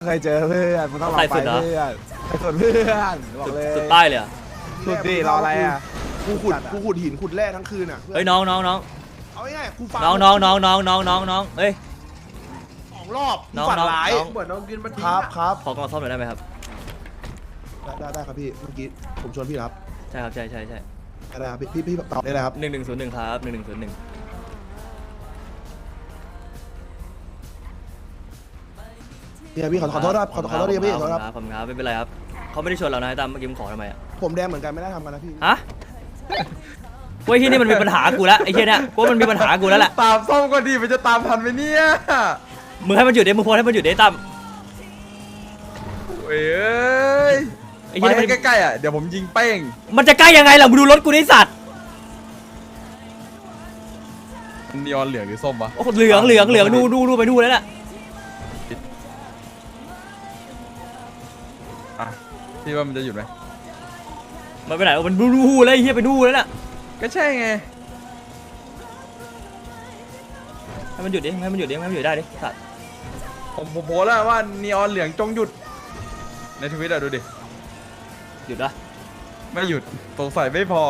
เคยเจอเพื่อนมันต้องลองไปเพื่อนไปสุดเพื่อนบอกเลยสุดใต้เลยอ่ะสุดดิรออะไรอ่ะกูขุดหินขุดแร่ทั้งคืนอ่ะเฮ้ยน้องเอาง่ายๆกูฟังเฮ้ย 2 รอบน้องฝันร้ายน้องเหมือนน้องกินมันครับขอกล่องซ่อมหน่อยได้ไหมครับได้ครับพี่เมื่อกี้ผมชวนพี่ครับใช่ครับใช่ได้ครับพี่ตอบได้เลยครับ 1101ครับ1101 พี่ขอโทษครับขอโทษพี่ขอโทษครับขอบคุณครับไม่เป็นไรครับเขาไม่ได้ชวนเรานะตามเมื่อกี้มึงขอทำไมอ่ะผมแดงเหมือนกันไม่ได้ทำกันนะพี่ฮะกูไอ้ที่นี่มันมีปัญหากูแล้วไอ้เหี้ยเนี่ยกูมันมีปัญหากูแล้วแหละตามส้มก็ดีมันจะตามทันไหมเนี่ยมึงให้มันหยุดดิมึงโพสให้มันหยุดดิตั้มเอ้ยไอ้ไปเหี้ยให้ใกล้ๆอ่ะเดี๋ยวผมยิงเป้งมันจะใกล้ยังไงล่ะมึงดูรถกูนี่สัตว์นีออนเหลืองหรือส้มวะโอ้เหลืองดูไปดูแล้วน่ะอ่ะพี่ว่ามันจะหยุดไหมมันไปไหนมันดูแล้วไอ้เหี้ยไปดูแล้วน่ะก็ใช่ไงให้มันหยุดดิให้มันหยุดได้ดิสัตว์ผมโพสแล้วว่านีออนเหลืองจงหยุดในทวิตอ่ะดูดิหยุดละไม่หยุดสงสัยไม่พอ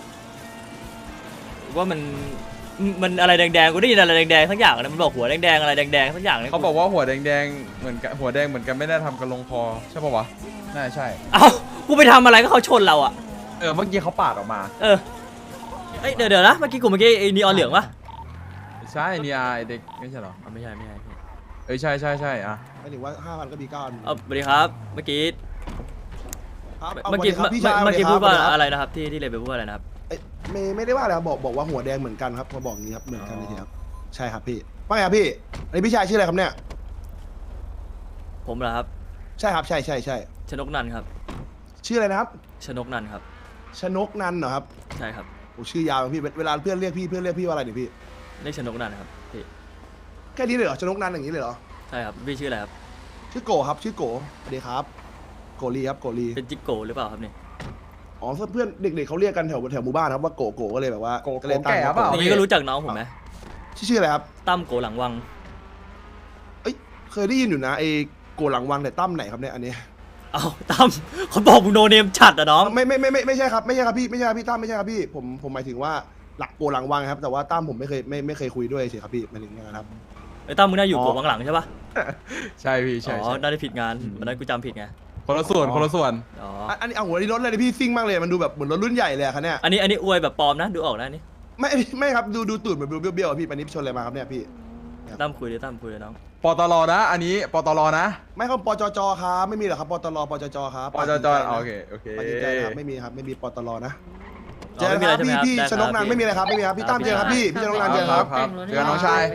ว่ามันอะไรแดงๆกูได้ยินอะไรแดงๆทั้งอย่างนะมันบอกหัวแดงๆอะไรแดงๆทั้งอย่างเลยเขาบอกว่าหัวแดงๆเหมือนกันหัวแดงเหมือนกันไม่ได้ทำกันลงคอใช่ป่าวะน่าใช่เอ้ากูไปทำอะไรก็เขาชนเราอ่ะเมื่อกี้เขาปาดออกมาเอ้ยเดี๋ยวนะเมื่อกี้ไอ้นีออนเหลืองปะใช่นีอาเด็กไม่ใช่หรอไม่ใช่ใช่อ่ะหมายถึงว่า 5,000 ก็มี9 อันสวัสดีครับเมื่อกี้ครับเมื่อกี้าพี่ชายเมื่อกี้สพูวัดสว่าครับอะไรนะครับที่เลยไปพูดอะไรนะครับไม่ได้ว่าอะไรครับบอกว่าหัวแดงเหมือนกันครับเขาบอกอย่างนี้ครับเหมือนกันเลยครับใช่ครับพี่ว่าไงครับพี่อันนี้พี่ชายชื่ออะไรครับเนี่ยผมเหรอครับใช่ครับใช่ชนกนันท์ครับชื่ออะไรนะครับชนกนันท์ครับชนกนันท์เหรอครับใช่ครับโอ้ชื่อยาวจังพี่เวลาเพื่อนเรียกพี่ว่าอะไรเนี่ยพี่เรียกชนกนันท์ครับพี่แค่นี้เลยเหรอชนกนันท์อย่างนี้เลยเหรอใช่ครับพี่ชื่ออะไรครับชื่อโกครับชื่อโกสวัสดีครับโกลีครับโกลีเป็นจิกโกหรือเปล่าครับเนี่ยอ๋อเพื่อนเด็กๆเขาเรียกกันแถวหมู่บ้านครับว่าโกก็เลยแบบว่าก็เลยตั้งอย่างนี้ก็รู้จักน้องผมไหมชื่ออะไรครับตั้มโกหลังวังเคยได้ยินอยู่นะไอ้โกหลังวังแต่ตั้มไหนครับเนี่ยอันนี้เอ้าตั้มเขาบอกมึงโนเนมฉัดอะน้องไม่ใช่ครับไม่ใช่ครับพี่ตั้มไม่ใช่ครับพี่ผมหมายถึงว่าหลักโกหลังวังครับแต่ว่าตั้มผมไม่เคยคุยด้วยเฉยครับพี่หมายถึงอย่างนั้นครับไอ้ตั้มมึงน่าอยู่โกวังหลังใช่ปะใช่พี่ใช่อ๋อน่าจะผิดงานวันนั้นกูจำผิดไงคนละส่วนอ๋ออันนี้เอาหัวที่รถเลยนะพี่ซิ่งมากเลยมันดูแบบเหมือนรถรุ่นใหญ่เลยอะครับเนี่ยอันนี้อวยแบบปลอมนะดูออกนะนี่ไม่ครับดูตูดเหมือนเบี้ยวๆอะพี่ปันนี้ชนอะไรมาครับเนี่ยพี่ตั้มคุยเลยน้องปตลนะอันนี้ปตลนะไม่ครับปจจครับไม่มีเหรอครับปตลปจจครับปจจโอเคปจจครับไม่มีครับไม่มีปตลนะอ๋เจออไม่มีคอะไรรับใช่ไหมพี่ครับชนกนันไม่มีอะไรครับไม่มีครับพี่ตั้มเจอครับพี่ชนกนันเจอครับเจอน้องชาย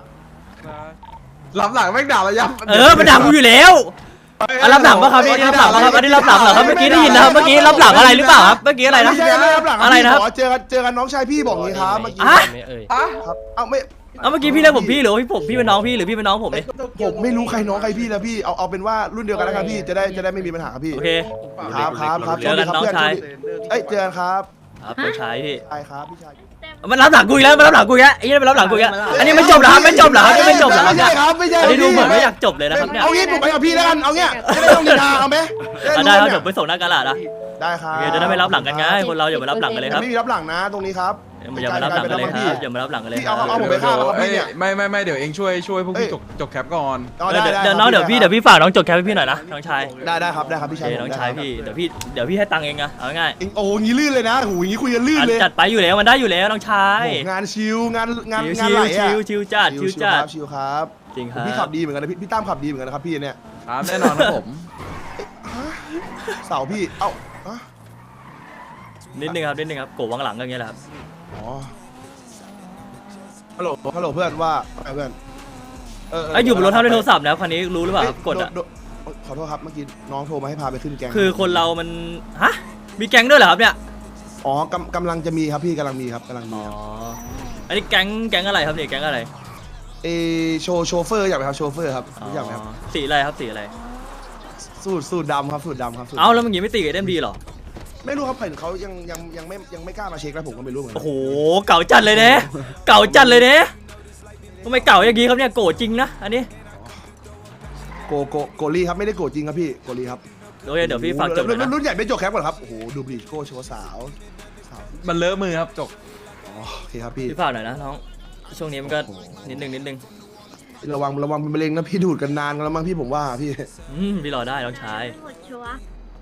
รับหลังแม่งด่าระยำมันด่ากูอยู่แล้วรับหลังปะครับนี่รับหลังปะครับอันนี้รับหลังเหรอครับเมื่อกี้ได้ยินนะครับเมื่อกี้รับหลังอะไรหรือเปล่าครับเมื่อกี้อะไรนะไม่ใช่ไม่รับหลังอะไรนะครับเจอกันน้องชายพี่บอกงี้ครับเมื่อกี้อ่ะครับเอ้าไม่เมื่อกี้พี่เรียกผมพี่หรือว่าพี่เป็นน้องพี่หรือพี่เป็นน้องผมเนี่ยผมไม่รู้ใครน้องใครพี่แล้วพี่เอาเป็นว่ารุ่นเดียวกันแล้วกันพี่จะได้ไม่มีปัญหาครับพี่โอเคครับเจอกันน้องชายเอ้ยเจอกันครับครับน้องชายพี่ใช่ครับพี่ชายมันรับหลังกูอีกแล้วไอ้เนี่ยมันรับหลังกูอีกแล้วอันนี้ไม่จบเหรอครับไม่จบเหรอครับไม่จบเหรอครับไม่เนี่ยใช่ครับไม่ใช่อันนี้ดูเหมือนไม่อยากจบเลยนะครับเนี่ยเอางี้ผมไปกับพี่แล้วกันเอาเงี้ยจะได้ต้องนินทาเอาไหมได้ครับผมไปส่งหน้ากระดาษนะได้ครับโอเคจะได้ไม่รับหลังกันไงคนเราอย่ามารับหลังกันเลยครับไม่มีรับหลังนะตรงนี้ครับอย่ามารับหลังกันเลยครับอย่ามารับหลังกันเลยพี่เอาผมไปฆ่าครับพี่เนี่ยไม่เดี๋ยวเองช่วยพวกพี่จกแคปก่อนเดี๋ยวน้องเดี๋ยวพี่ฝากน้องจดแคปให้พี่หน่อยนะน้องชายได้ครับพี่โอชายเคน้องชายพี่เดี๋ยวพี่ให้ตังค์เองนะเอาง่ายโอ้งี้ลื่นเลยนะโหงี้คุยกันลื่นเลยจัดไปอยู่แล้วมันได้อยู่แล้วน้องชายงานชิวงานไหลชิวจัดชิวครับจริงครับพี่ขับดีเหมือนกันนะพี่ตั้มขับดีเหมือนกันนะครับพี่เนี่ยครับแน่นอนครับผมเสาพี่เอ้านิดนึงครับโกวังหลังก็อย่างเงี้ยแหละครับอ๋อฮัลโหลเพื่อนว่าไงเพื่อนอยู่บนรถทำในโทรศัพท์นะคันนี้รู้หรือเปล่าครับกดอ่ะขอโทษครับเมื่อกี้น้องโทรมาให้พาไปขึ้นแก๊งคือคนเรามันฮะมีแก๊งด้วยเหรอครับเนี่ยอ๋อกำลังจะมีครับพี่กำลังมีครับอ๋ออันนี้แก๊งอะไรครับเนี่ยแก๊งอะไรโชเฟอร์อยากไปครับโชเฟอร์ครับรู้จักไหมครับสีอะไรครับสีอะไรสูตรดำครับสูตรดำครับเอ้าแล้วมึงยังไม่ตีกับเอ็มดีหรอไม่รู้ครับเห็นเขายังไม่กล้ามาเช็คแล้วผมก็ไม่รู้เหมือนกัโอ้โหเก่าจัดเลยเนี่ยทำไมเก่าอย่างงี้ครับเนี่ยโกรธจริงนะอันนี้โกลี่ครับไม่ได้โกรธจริงครับพี่โกลี่ครับโอเคเดี๋ยวพี่ฝากจบเลยนะรุ่นใหญ่ไม่จบแคปก่อนครับโอ้โหดูบลีชโก้โชว์สาวมันเลอะมือครับจกอ๋อโอเคครับพี่พี่ฝากหน่อยนะน้องช่วงนี้มันก็นิดนึงระวังเป็นมะเร็งนะพี่ดูดกันนานกันแล้วมั้งพี่ผมว่าพี่พี่รอได้น้องชายหมดชัวร์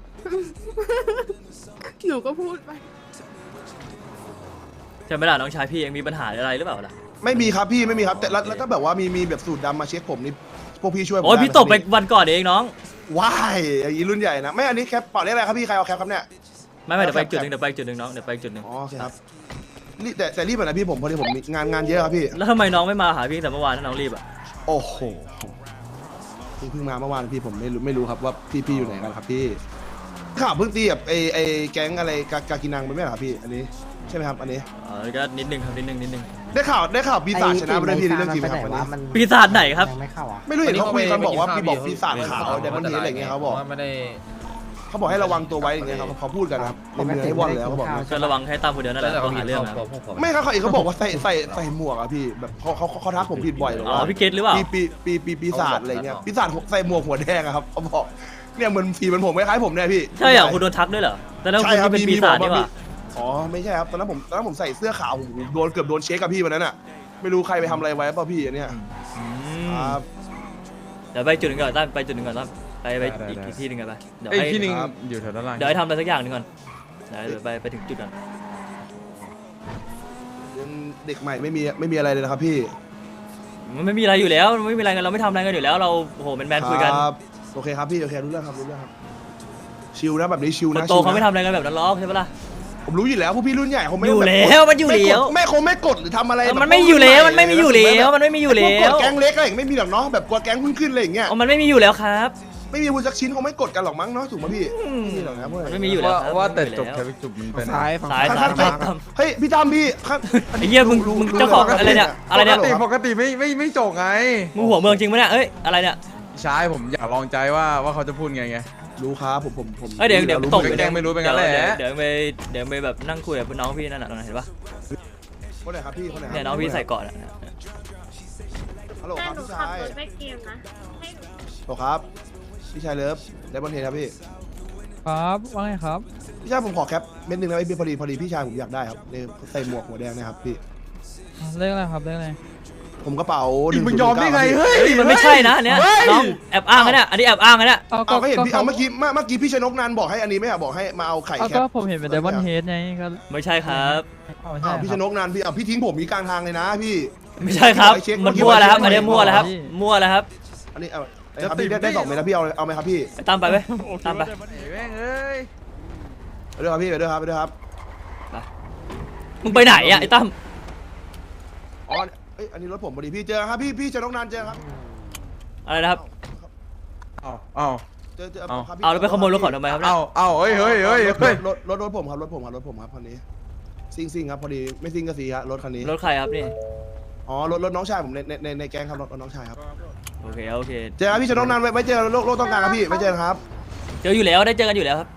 หนูก็พูดไปใช่ไหมล่ะน้องชายพี่ยังมีปัญหาอะไรหรือเปล่าล่ะไม่มีครับพี่ไม่มีครับแต่แล้วก็แบบว่ามีแบบสูตรดำมาเช็คผมนี่พวกพี่ช่วยผมโอ้ยด้พี่หมตบไปครับวันก่อนเองน้องว้ายอย่างนี้รุ่นใหญ่นะไม่อันนี้แคปเปล่าเรียกอะไรครับพี่ใครเอาแคปครับเนี่ยไม่เดี๋ยวไปอีกจุดหนึ่งน้องเดี๋ยวไปอีกจุดหนึ่งอ๋อโอเคครับรีบแต่รีบหน่อยนะพี่ผมพอดีผมมีงานเยอะครับพี่แล้วทำไมน้องไม่มาหาพี่แต่เมื่อวานถ้าน้องรีบอ่ะโอ้โหเพิ่งมาเมื่อวานพี่ผมไม่รู้ครับว่าพี่อยู่ไหนกันครับพี่ข่าวเพิ่งตีกับไอแก๊งอะไรกากินังไปไหมครับพี่อันนี้ใช่ไหมครับอันนี้ก็นิดนึงครับนิดนึงได้ข่าวปีศาจชนะไปด้วยพี่ในเรื่องจริงไหมครับวันนี้ปีศาจไหนครับยังไม่เข้าอ่ะไม่รู้เห็นเขาคุยกันบอกว่าพี่บอกปีศาจขาวไดมอนด์เฮดอะไรเงี้ยเขาบอกไม่ได้เขาบอกให้ระวังตัวไว้อย่างเงี้ยเขาพูดกันนะครับในเมืองให้วอนแล้วเขาบอกก็ระวังให้ตามคนเดียวนั่นแหละต้องหาเรื่องนะไม่ครับเขาบอกว่าใส่หมวกอะพี่แบบเขาทักผมผิดบ่อยหรออ๋อว่าพี่เกตหรือเปล่าปีศาจอะไรเงี้ยปีศาจใส่หมวกหัวแดงอะครับเขาบอกเนี่ยเหมือนฝีมันผมคล้ายๆผมเนี่ยพี่ใช่เหรอคุณโดนทักด้วยเหรอแต่แล้วคุณนี่เป็นปีศาจนี่หว่าอ๋อไม่ใช่ครับตอนนั้นผมใส่เสื้อขาวผมเกือบโดนเช็คกับพี่วันนั้นอะไม่รู้ใครไปทำอะไรไว้ป่ะพี่อันเนี้ยครับเดี๋ยวไปจุดหนึ่งก่อนตั้มไปจุดหนึ่งก่อนตั้มไปอีกที่หนึ่งกันไปเดี๋ยวไอ้ให้ที่นึงอยู่แถวด้านล่างเดี๋ยวให้ทำอะไรสักอย่างหนึ่งก่อนเดี๋ยวไปถึงจุดก่อนยังเด็กใหม่ไม่มีอะไรเลยนะครับพี่มันไม่มีอะไรอยู่แล้วมันไม่มีอะไรกันเราไม่ทำอะไรกันอยู่แล้วเราโอ้โหเป็นแมนคุยกันครับโอเคครับพี่โอเครู้เรื่องครับชิลนะแบบนี้ชิลคนนะโตชิลเขาไม่นะทำอะไรกันแบบนั้นหรอกใช่ปะล่ะผมรู้อยู่แล้วพวกพี่รุ่นใหญ่เขาไม่อยู่แบบแล้วมันอยู่แล้วไม่คงไม่กดหรือทำอะไรแบบมันไม่อยู่แล้วมันไม่มีอยู่แล้วมันไม่มีอยู่แล้พวกกวดแก๊งเล็กอะไรอย่างไม่มีหรอกเนาะแบบกลัวแก๊งขึ้นอะไรอย่างเงี้ยมันไม่มีอยู่แล้วครับไม่มีพูดสักชิ้นคงไม่กดกันหรอกมั้งเนาะถูกป่ะพี่ไม่มีหรอกนะพวกมันนี้ไม่มีอยู่แล้วครับว่าแต่มันจไม่บมีอยู่แล้วแค่จุดมันเป็นซ้ายซ้ายครับ เฮ้ยพี่ตั้มพี่ครับไอ้เหี้ยมึงเจ้าของอะไรเนี่ยอะไรเนี่ยปกติไม่จบไงมึงหัวเมืองจริงปะเนี่ยเอ้ยอะไรเนี่ยใช่ผมอยากลองใจว่าเขาจะพูดไงรู้ครับผมเอ้ยเดี๋ยวรู้ตบเหมือนแกกันงไม่รู้เป็นงั้นแหละเดี๋ยวไปแบบนั่งคุยกับน้องพี่นั่นน่ะตรงนั้นเห็นปะคนไหนครับพี่คนไหนครับเนี่ยน้องพี่ใส่เกาะน่ะฮัลโหลแต่ครับหนูพี่ขับชายรถไปเกมนะ ให้หนูฮัลโหลครับพี่ชายเลิฟได้บอลเทครับพี่ครับว่าไงครับพี่ชายผมขอแคปเม็ดหนึงนะพี่พอดีพี่ชายผมอยากได้ครับเนี่ยใส่หมวกหัวแดงนะครับพี่เลขอะไรครับเลขอะไรผมกระเป๋าอีกมึงยอมได้ไง 1009 เฮ้ยเฮ้ยมันไม่ใช่นะอันเนี้ยน้องแอบอ้างนะเนี่ยอันนี้แอบอ้างนะเนี่ยเอาเอาก็เห็นพี่เขาเอาเมื่อกี้พี่ชนกนันบอกให้อันนี้ไม่อะบอกให้มาเอาไข่เอาแคก็ปผมเห็นเป็นไดมอนด์เฮดไงก็ไม่ใช่ครับเอาไม่ใช่พี่ชนกนันพี่เอาพี่ทิ้งผมมีกลางทางเลยนะพี่ไม่ใช่ครับเช็คมันมั่วแล้วครับเช็คอันนี้มั่วแล้วครับมั่วแล้วครับอันนี้เอาไอ้ครับพี่ได้2เม็ดแล้วพี่เอาไหมครับพี่ไปตามไปไหมตามไปแม่งเอ้ยไปด้วยครับพี่ไปด้วยครับมึงไปไหนอ่ะไอ้ตั้มอ๋อเอ้ยอันนี้รถผมพอดีพี่เจอครับพี่ชนกนันเจอครับอะไรนะครับเอาเจอเอาครับพี่เอาแล้วไปขโมยรถเขาทำไมครับเนี่ยเอาเฮ้ยรถผมครับรถผมครับคันนี้ซิ่งครับพอดีไม่ซิ่งก็สีฮะรถคันนี้รถใครครับนี่อ๋อรถน้องชายผมในแก๊งครับรถน้องชายครับโอเคเจอครับพี่ชนกนันไว้เจอโลกต้องการครับพี่ไว้เจอครับเจออยู่แล้วได้เจอกันอยู่แล้วครับ